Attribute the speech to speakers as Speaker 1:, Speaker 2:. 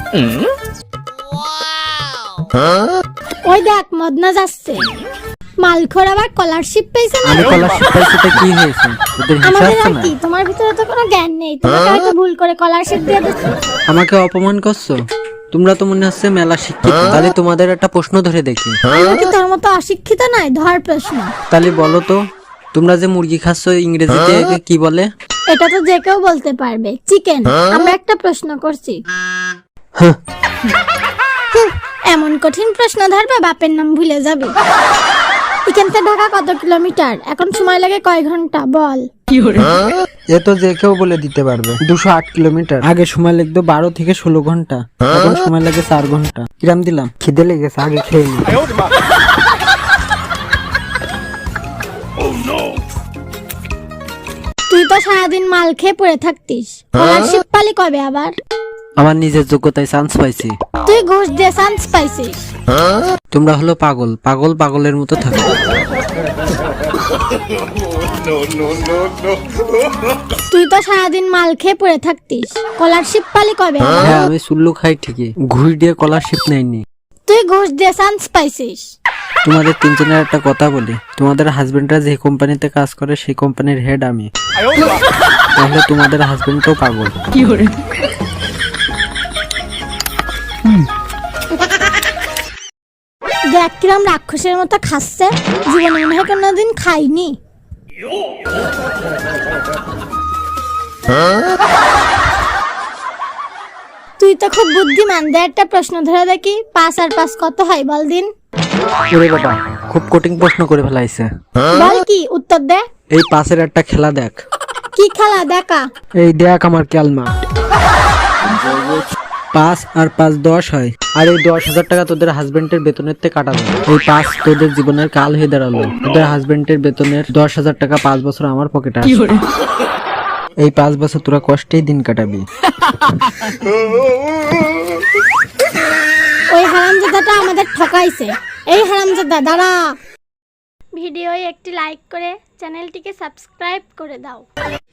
Speaker 1: ওই দেখ মদনা যাচ্ছে। মালখোর আবার স্কলারশিপ পেয়েছে না?
Speaker 2: আমি স্কলারশিপ পাইছি তো কি হয়েছে? ওদের হিসাব
Speaker 1: আমাদের
Speaker 2: আছে
Speaker 1: আর
Speaker 2: না?
Speaker 1: কি, তোমার ভিতরে তো কোনো জ্ঞান নেই, তোমাকে হয়তো ভুল করে স্কলারশিপ দিয়ে দিচ্ছে।
Speaker 2: আমাকে অপমান করছো? তোমরা তো মনে হচ্ছে মেলা শিক্ষিত। তাহলে তোমাদের একটা প্রশ্ন ধরে দেখি।
Speaker 1: আমরা কি তোর মতো অশিক্ষিত নয়? ধর প্রশ্ন।
Speaker 2: তাহলে বলো তো, তোমরা যে মুরগি খাচ্ছ ইংরেজিতে একে কি বলে?
Speaker 1: এটা তো যে কেউ বলতে পারবে, চিকেন। আমরা একটা প্রশ্ন করছি।
Speaker 2: হ্যাঁ।
Speaker 1: এমন কঠিন প্রশ্ন ধরবে বাপের নাম ভুলে যাবে। এখান থেকে ঢাকা কত কিলোমিটার? এখন সময় লাগে কয় ঘন্টা বল?
Speaker 2: এ তো যে কেউ বলে দিতে পারবে। 208 কিলোমিটার। আগে সময় লাগতো 12 থেকে 16 ঘন্টা, এখন সময় লাগে 4 ঘন্টা। কিরাম দিলাম? খিদে লেগেছে, আগে খেয়ে নি।
Speaker 1: তুই তো সারাদিন মাল খেয়ে পড়ে থাকতিস, স্কলারশিপ পালি কবে আবার?
Speaker 2: আমার নিজের যোগ্যতায় চান্স পাইছি।
Speaker 1: তুই ঘুষ দিয়ে চান্স পাইছিস।
Speaker 2: তোমরা হলো পাগল, পাগল পাগলের মতো থাকো।
Speaker 1: তুই তো সারাদিন মাল খেয়ে পড়ে থাকতিস, স্কলারশিপ পালি কবে আবার?
Speaker 2: হ্যাঁ, আমি চুল্লু খাই ঠিকই, ঘুষ দিয়ে স্কলারশিপ নেয়নি।
Speaker 1: তুই ঘুষ দিয়ে চান্স পাইছিস।
Speaker 2: তোমাদের তিনজনের একটা কথা বলি, তোমাদের হাজবেন্ডরা যে কোম্পানিতে কাজ করে সেই কোম্পানির হেড আমি। তাহলে তোমাদের হাজবেন্ড তো পাগল।
Speaker 1: দেখ কিরম রাক্ষসের মতো খাচ্ছে, জীবনে মনে হয় কোনোদিন খাইনি। তুই তো খুব বুদ্ধিমান, দে একটা প্রশ্ন ধরে দেখি, 5 আর 5 কত হয় বল দিন।
Speaker 2: ওরে বাবা, খুব কঠিন প্রশ্ন করে ফেলাইছে।
Speaker 1: বল কি উত্তর দে।
Speaker 2: এই পাশের একটা খেলা দেখ।
Speaker 1: কি খেলা দেখা?
Speaker 2: এই দেখ আমার ক্যালমা। 5 আর 5 10 হয়, আর এই 10,000 টাকা তোদের হাজবেন্ডের বেতনের থেকে কাটাবে। এই 5 তোদের জীবনের কাল হয়ে দাঁড়ালো। তোদের হাজবেন্ডের বেতনের 10,000 টাকা 5 বছর আমার পকেটে আসবে। এই 5 বছর তোরা কষ্টেই দিন কাটাবি।
Speaker 1: ওই হারামজাদাটা আমাদের ঠকাইছে। এই হারামজাদা দাঁড়া। ভিডিওয় একটি লাইক করে চ্যানেলটিকে সাবস্ক্রাইব করে দাও।